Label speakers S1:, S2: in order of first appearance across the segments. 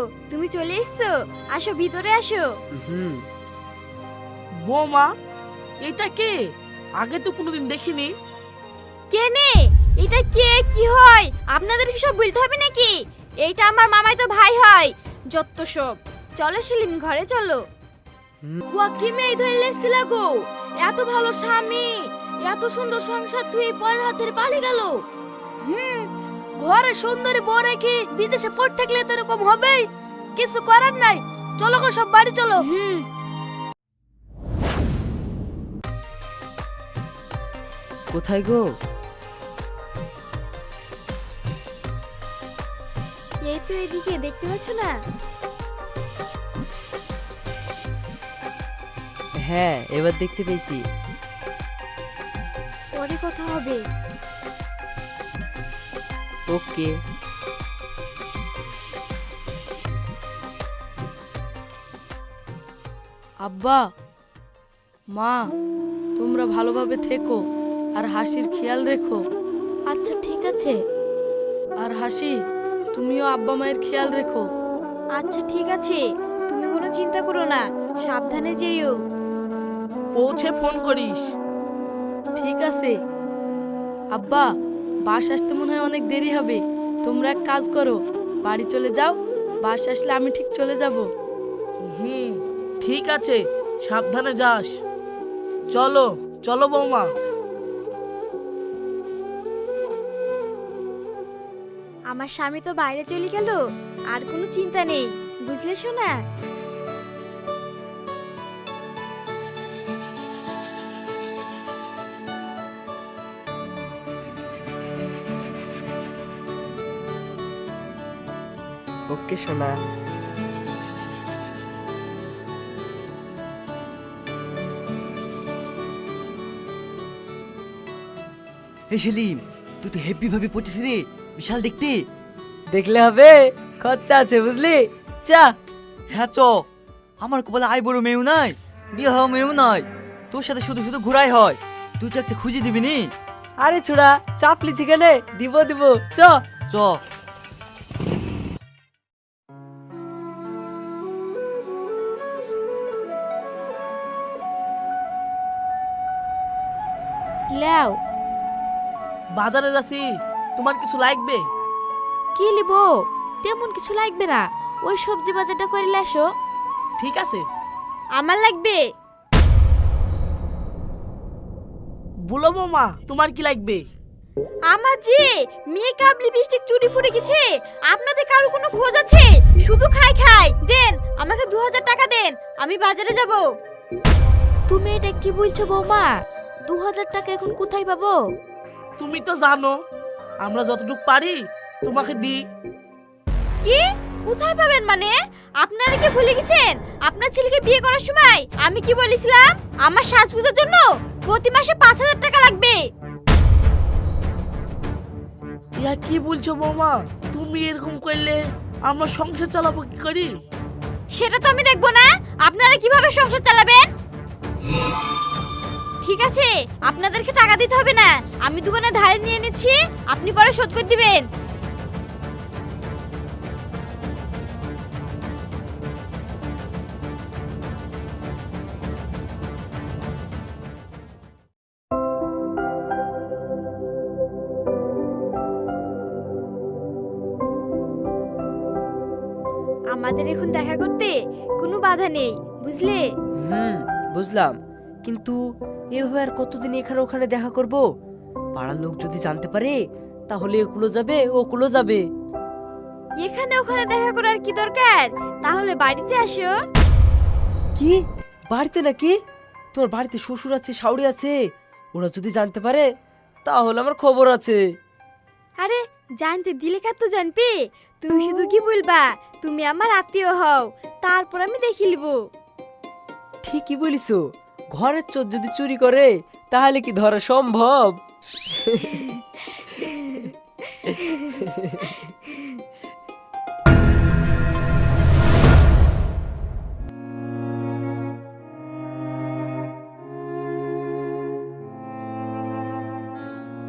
S1: তুমি চলে এসছো, আসো ভিতরে আসো।
S2: হুম।
S3: বৌমা, এটা কে? আগে তো কোনোদিন দেখিনি।
S1: কে নে? এটা কে কি হয় আপনাদের কি সব বলতে হবে নাকি? এইটা আমার মামাই তো ভাই হয়, যত সব। চলো সেলিম, ঘরে চলো। ওয়া কি মেয়ে ধরে এসেছিল গো, এত ভালো স্বামী, এত সুন্দর সংসার তুই পরের হাত ধরে পালিয়ে গেল। ঘরে সুন্দরী বউ রেখে বিদেশে পড়ে থাকলে তো এরকম হবেই, কিছু করার নাই। চলো গো সব বাড়ি চলো।
S2: কোথায় গো?
S1: এই তো এদিকে, দেখতে পাচ্ছ না?
S2: হ্যাঁ, এবার দেখতে পেয়েছি।
S1: পরে কথা হবে।
S2: ওকে।
S4: আব্বা, মা, তোমরা ভালোভাবে থেকো আর হাসির খেয়াল রেখো।
S1: আচ্ছা ঠিক আছে।
S4: আর হাসি, তুমিও আব্বা মায়ের খেয়াল রেখো।
S1: আচ্ছা ঠিক আছে, তুমি কোনো চিন্তা করো না, সাবধানে যেও।
S3: পৌঁছে ফোন করিস।
S4: ঠিক আছে। আব্বা, বাস আসতে মনে হয় অনেক দেরি হবে। তোমরা এক কাজ করো, বাড়ি চলে যাও। বাস আসলে আমি ঠিক চলে যাব।
S3: ঠিক আছে, সাবধানে যাস। চলো চলো বৌমা।
S1: আমার স্বামী তো বাইরে চলে গেল, আর কোনো চিন্তা নেই, বুঝলে সোনা?
S2: ওকে সোনা।
S5: হে সেলিম, তুই তো হেভি ভাবে পড়ছিস রে, বিশাল দেখতে।
S2: দেখলে হবে, খরচা আছে বুঝলি। চা।
S5: হ্যাঁ চ, আমার কপালে আই বড় মেয়েও নাই, বিয়ে হওয়া মেয়েও নাই, তোর সাথে শুধু শুধু ঘোরাই হয়। তুই তো একটা খুঁজে দিবি নি।
S2: আরে ছোড়া, চাপ লিচি কেনে, দিব দিব। চ।
S5: চ।
S1: লেও।
S3: বাজারে যাচ্ছি, তোমার কিছু লাগবে?
S1: কি লিব? তেমন কিছু লাগবে না, ওই সবজি বাজারটা করে আসো।
S3: ঠিক আছে।
S1: আমার লাগবে।
S3: বলো বৌমা, তোমার কি লাগবে?
S1: আমার যে মেকআপ লিপস্টিক চুড়ি ফুটে গেছে, আপনাদের কারো কোনো খোঁজ আছে? শুধু খাই খাই দেন, আমাকে 2000 টাকা দেন, আমি বাজারে যাব। তুমি এটা কি বলছো বৌমা? 2000 টাকা এখন কোথায় পাবো?
S3: তুমি তো জানো আমরা যতটুকু পারি তোমাকে দিই।
S1: কি কোথায় পাবেন মানে? আপনারা কি ভুলে গেছেন আপনার ছেলেকে বিয়ে করার সময় আমি কি বলেছিলাম? আমার সাজগুজের জন্য প্রতি মাসে 5000 টাকা লাগবে।
S3: ইয়া কি বলছো বৌমা? তুমি এরকম করলে আমরা সংসার চালাবো কি করি?
S1: সেটা তো আমি দেখবো না, আপনারা কিভাবে সংসার চালাবেন। ঠিক আছে, আপনাদেরকে টাকা দিতে হবে না, আমি দোকানে ধারে নিয়ে নিচ্ছি, আপনি পরে শোধ করে দিবেন। আমাদের এখন দেখা করতে কোনো বাধা নেই, বুঝলে?
S2: বুঝলাম, কিন্তু এভাবে আর কতদিন এখানে ওখানে দেখা করব? পাড়ার লোক যদি জানতে পারে তাহলে এগুলো যাবে ওগুলো যাবে।
S1: এখানে ওখানে দেখা করার কি দরকার? তাহলে বাড়িতে আসো।
S2: কি বাড়িতে নাকি? তোমার বাড়িতে শ্বশুর আছে, শাশুড়ি আছে, ওরা যদি জানতে পারে তাহলে আমার খবর আছে।
S1: আরে জানতে দিলে কার তো জানবে, তুমি শুধু কি বলবা তুমি আমার আত্মীয় হও, তারপর আমি দেখে নিব।
S2: ঠিকই বলিছো, ঘরের চোর যদি চুরি করে তাহলে কি ধরা সম্ভব?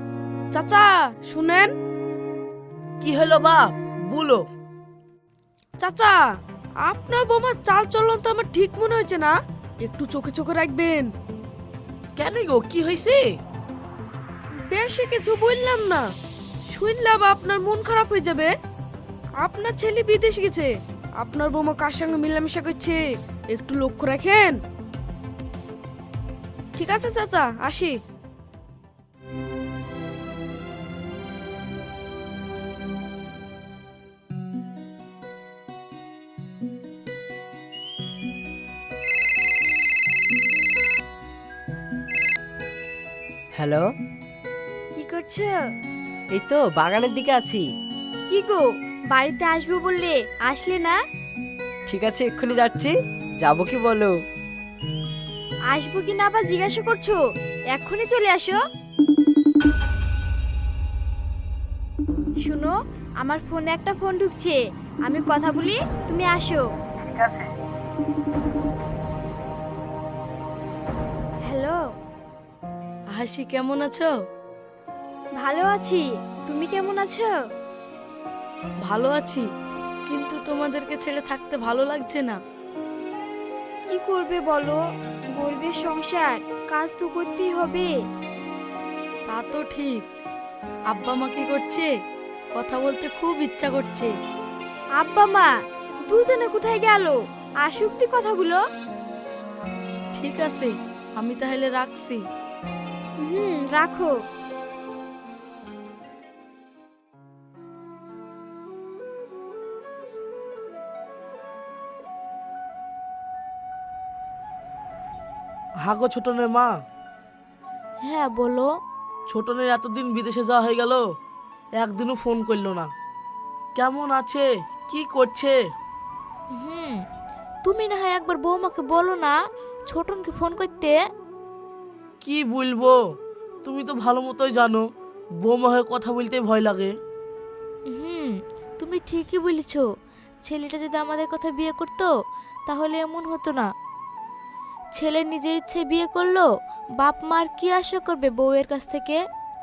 S4: চাচা শুনেন।
S3: কি হলো বাপ, বলো।
S4: চাচা, আপনার বৌমার চাল চলন তো আমার ঠিক মনে হয়েছে না, একটু চোখে চোখে রাখবেন।
S3: কেন গো, কি হয়েছে?
S4: বেশি কিছু বললাম না, শুনলাম আপনার মন খারাপ হয়ে যাবে। আপনার ছেলে বিদেশ গেছে, আপনার বৌমা কার সঙ্গে মিলামিশা করছে, একটু লক্ষ্য রাখেন। ঠিক আছে চাচা, আসি।
S2: হ্যালো,
S1: কি করছো?
S2: এই তো বাগানের দিকে আছি।
S1: কি গো, বাড়িতে আসবো বললে আসলে না?
S2: ঠিক আছে, এক্ষুনি যাচ্ছি। যাবো কি বলো?
S1: আসবো কি না আবার জিজ্ঞাসা করছো? এক্ষুনি চলে আসো। শুনো, আমার ফোনে একটা ফোন ঢুকছে, আমি কথা বলি, তুমি আসো। হ্যালো।
S4: হাসি, কেমন আছো?
S1: ভালো আছি, তুমি কেমন আছো?
S4: ভালো আছি, কিন্তু তোমাদেরকে ছেড়ে থাকতে ভালো লাগছে না।
S1: কি করবে বলো, গরিবের সংসার, কাজ তো করতেই হবে।
S4: তা তো ঠিক। আব্বা মা কি করছে? কথা বলতে খুব ইচ্ছা করছে।
S1: আব্বা মা দুজনে কোথায় গেল? আসুক দি কথাগুলো।
S4: ঠিক আছে, আমি তাহলে রাখছি।
S1: রাখো।
S3: হাগো ছোটনের মা।
S1: হ্যাঁ বলো।
S3: ছোটনের এতদিন বিদেশে যাওয়া হয়ে গেল, একদিনও ফোন করলো না। কেমন আছে, কি করছে?
S1: তুমি না হয় একবার বৌমাকে বলো না ছোটনকে ফোন করতে।
S3: কি বলবো, তুমি তো ভালো মতোই জানো বৌমা হয়ে কথা বলতে ভয় লাগে।
S1: তুমি ঠিকই বলেছো, ছেলেটা যদি আমাদের কথা বিয়ে করতো তাহলে এমন হতো না। ছেলে নিজের ইচ্ছে বিয়ে করলো, বাপ মার কি আশা করবে বউয়ের কাছ থেকে?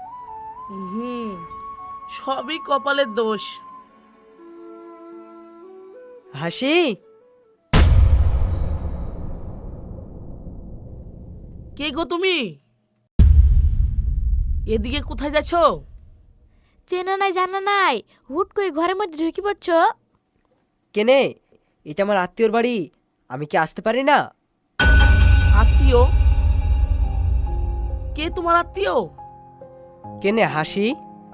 S3: সবই কপালের দোষ।
S2: হাসি,
S3: কে গো তুমি? এদিকে কোথায় যাচ্ছ?
S1: চেনা নাই জানা নাই, হুট করে ঘরের মধ্যে ঢুকে পড়ছো।
S2: কেনে? এটা আমার আত্মীয়র বাড়ি, আমি কি আসতে পারি না?
S3: আত্মীয়? কে তোমার আত্মীয়?
S2: কেনে হাসি?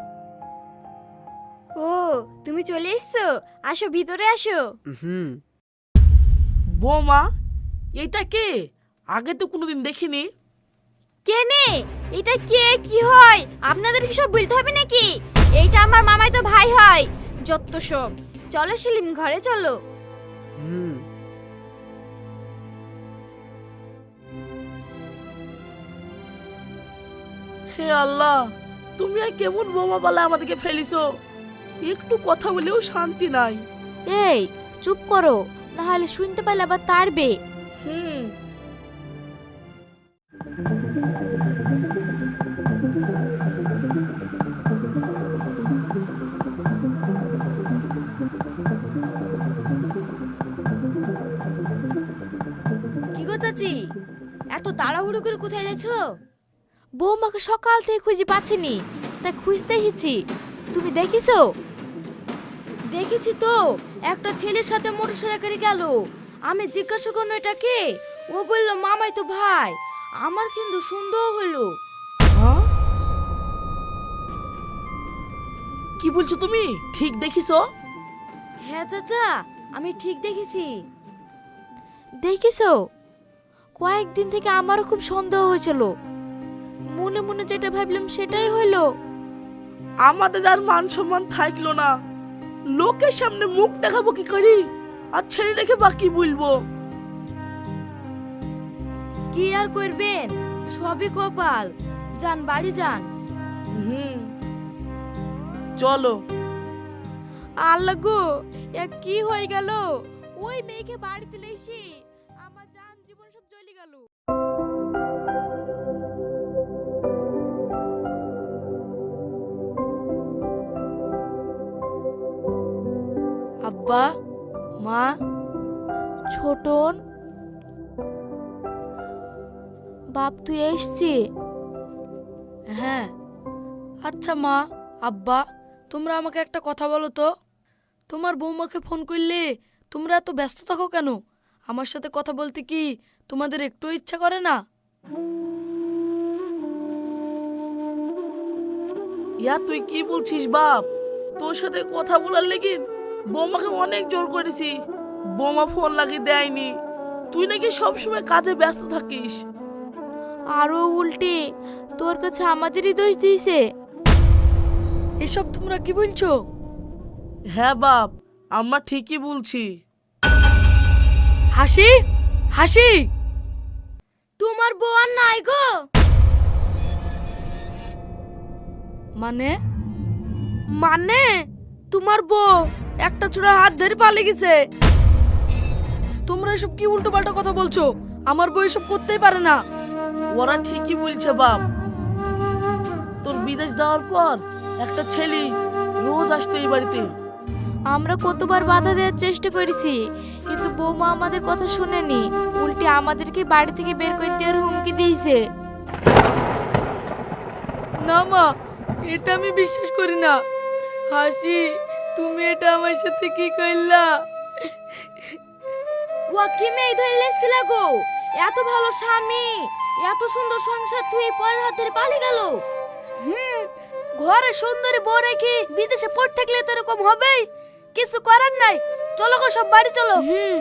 S1: ও, তুমি চলে এসছো, আসো ভিতরে আসো।
S2: হুম।
S3: বৌমা, এটা কে? আগে তো কোনোদিন দেখিনি।
S1: কেনে? এটা কে কি হয় আপনাদের কি সব বলতে হবে নাকি? এইটা আমার মামাই তো ভাই হয়, যত সব। চলো সেলিম, ঘরে চলো।
S2: হুম।
S3: হে আল্লাহ, তুমি আর কেমন বোমা বালা আমাদেরকে ফেলিছো, একটু কথা বলেও শান্তি নাই।
S1: এই চুপ করো, না হলে শুনতে পাইলে আবার তাড়বে।
S3: হুম।
S1: কি গো চাচি, এত তাড়াহুড়ো করে কোথায় যাচ্ছো? বৌমাকে সকাল থেকে খুঁজে পাচ্ছিনি, তাই খুঁজতে এসেছি। তুমি দেখিছো? দেখেছি তো, একটা ছেলের সাথে মোটরসাইকেলে গেল। আমি জিজ্ঞাসা করলো এটা কে, ও বললো মামাই তো ভাই। আমার কিন্তু সন্দেহ হলো।
S3: হ্যাঁ? কি বলছো তুমি, ঠিক দেখিছো?
S1: হ্যাঁ চাচা, আমি ঠিক দেখেছি। দেখিছো? কয়েকদিন থেকে আমারও খুব সন্দেহ হয়েছিল, মনে মনে যেটা ভাবলাম সেটাই হলো।
S3: আমাদের আর মান সম্মান থাকলো না, লোকের সামনে মুখ দেখাবো কি করি, আর ছেড়ে রেখে বাকি বলবো।
S1: কি আর করবেন, সবই কপাল। যান বাড়ি যান।
S3: হুম, চলো।
S1: আল্লাহ গো, এ কি হয়ে গেল? ওই মেয়েকে বাড়িতে এসে আমার জান জীবন সব চলে গেল।
S4: আব্বা, ও মা,
S1: ছোটন, বাপ তুই এসছি?
S4: হ্যাঁ। আচ্ছা মা, আব্বা, তোমরা আমাকে একটা কথা বলো তো। তোমার বৌমাকে ফোন করলে তোমরা এত ব্যস্ত থাকো কেন? আমার সাথে কথা বলতে কি তোমাদের একটু ইচ্ছা করে না?
S3: ইয়া তুই কি বলছিস বাপ? তোর সাথে কথা বলার লেগে বৌমাকে অনেক জোর করেছি, বৌমা ফোন লাগিয়ে দেয়নি। তুই নাকি সবসময় কাজে ব্যস্ত থাকিস।
S1: আরো উল্টে তোর কাছে আমাদেরই দোষ দিয়েছে।
S4: এসব তোমরা কি বলছো?
S3: হ্যাঁ বাপ, আমরা ঠিকই বলছি।
S4: হাসি, হাসি,
S1: তোমার বউ আর নাই গো।
S4: মানে মানে তোমার বউ একটা চূড়ার হাত ধরে পালিয়ে গেছে। তোমরা এসব কি উল্টো পাল্টা কথা বলছো? আমার বউ এসব করতেই পারে না।
S3: ওরা ঠিকই বলছে বাপ। তোর বিদেশ যাওয়ার পর একটা ছেলে রোজ আসতো এই বাড়িতে।
S1: আমরা কতবার বাধা দেওয়ার চেষ্টা করেছি, কিন্তু বৌমা আমাদের কথা শুনেনি, উল্টে আমাদেরকে বাড়ি থেকে বের করে দেওয়ার হুমকি দিয়েছে।
S4: না মা, এটা আমি বিশ্বাস করি না। হাসি, তুমি এটা আমার সাথে কি করলা?
S1: ও কি মেয়ে ধরলে এসেছিল গো? এত ভালো স্বামী, এত সুন্দর সংসার তুই পরের হাত ধরে পালিয়ে গেল।
S4: ঘরে সুন্দরী বউ রেখে বিদেশে পড়ে থাকলে তো এরকম হবেই। কিছু করার নাই, চলো গো সব বাড়ি চলো।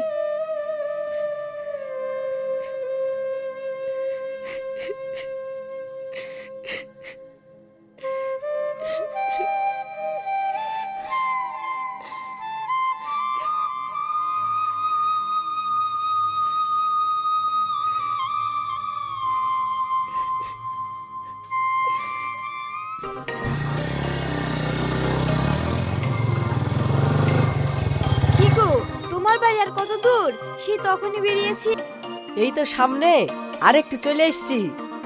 S1: কি গো, তোমার বাড়ি আর কত দূর? সে তখনই বেরিয়েছি।
S2: এই তো সামনে, আর একটু চলে এসেছি।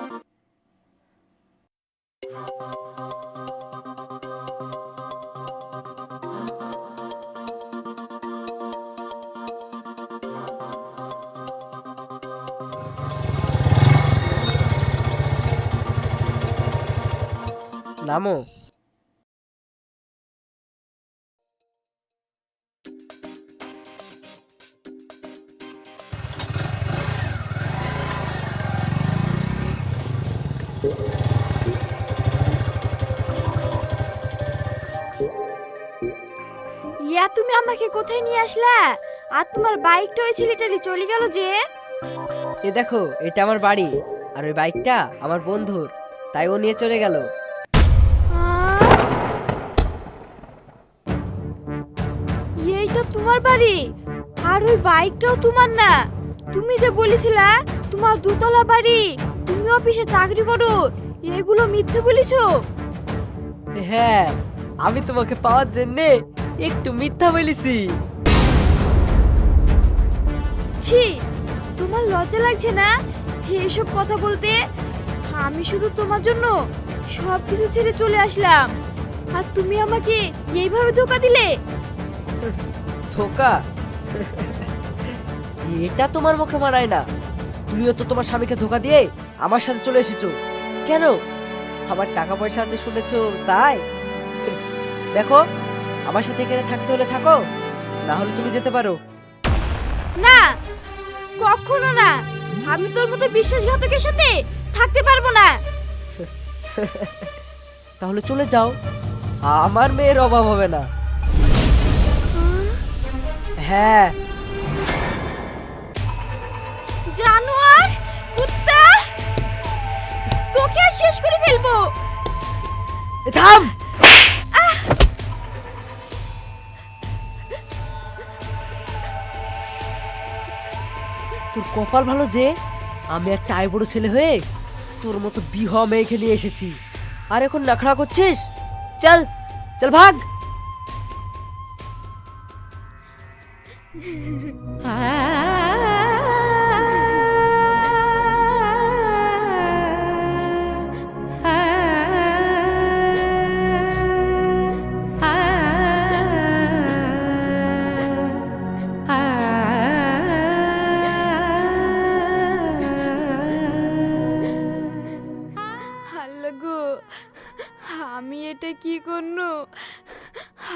S2: নামো।
S1: ইয়া তুমি আমাকে কোথায় নিয়ে আসলা? আর তোমার বাইকটা ওই ছেলেটালি চলে গেল যে?
S2: এ দেখো, এটা আমার বাড়ি, আর ওই বাইকটা আমার বন্ধুর, তাই ও নিয়ে চলে গেল।
S1: এইটা তোমার বাড়ি, আর ওই বাইকটাও তোমার না? তুমি যে বলেছিলা তোমার দুতলা বাড়ি, তুমি অফিসে চাকরি করো, এগুলো মিথ্যে বলেছো।
S2: হ্যাঁ, আমি তোমাকে পাওয়ার জন্য একটু মিথ্যা বলেছি।
S1: ছি, তোমার লজ্জা লাগছে না এসব কথা বলতে? আমি শুধু তোমার জন্য সব কিছু ছেড়ে চলে আসলাম, আর তুমি আমাকে এইভাবে ধোকা দিলে।
S2: ধোকা? এটা তোমার মুখে মানায় না। তুমিও তো তোমার স্বামীকে ধোকা দিয়ে আমার সাথে চলে এসেছো। কেন? আমার টাকা পয়সা আছে শুনেছো তাই? দেখো, আমার সাথে এখানে থাকতে হলে থাকো, না হলে তুমি যেতে পারো।
S1: না, কখনো না। আমি তোর মতো বিশ্বাসঘাতকের সাথে থাকতে পারবো না।
S2: তাহলে চলে যাও, আমার মেয়ের অভাব হবে না। হ্যাঁ।
S1: জানোয়ার, কুত্তা, তোকে আর শেষ করে ফেলবো।
S2: থাম! তোর কপাল ভালো যে আমি একটা আইবুড়ো ছেলে হয়ে তোর মতো বিহা মেয়েকে নিয়ে এসেছি, আর এখন নাখড়া করছিস। চল চল, ভাগ।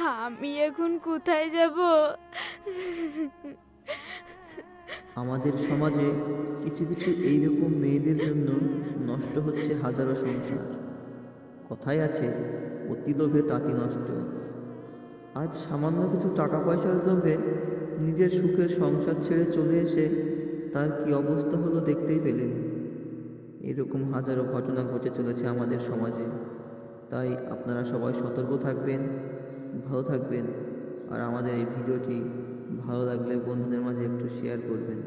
S1: আমি এখন কোথায় যাব?
S6: আমাদের সমাজে কিছু কিছু এইরকম মেয়েদের জন্য নষ্ট হচ্ছে হাজারো সংসার। কথায় আছে, অতি লোভে তাঁতি নষ্ট। আজ সামান্য কিছু টাকা পয়সার লোভে নিজের সুখের সংসার ছেড়ে চলে এসে তার কি অবস্থা হলো দেখতেই পেলেন। এরকম হাজারো ঘটনা ঘটে চলেছে আমাদের সমাজে। তাই আপনারা সবাই সতর্ক থাকবেন, ভালো থাকবেন, আর আমাদের এই ভিডিওটি ভালো লাগলে বন্ধুদের মাঝে একটু শেয়ার করবেন।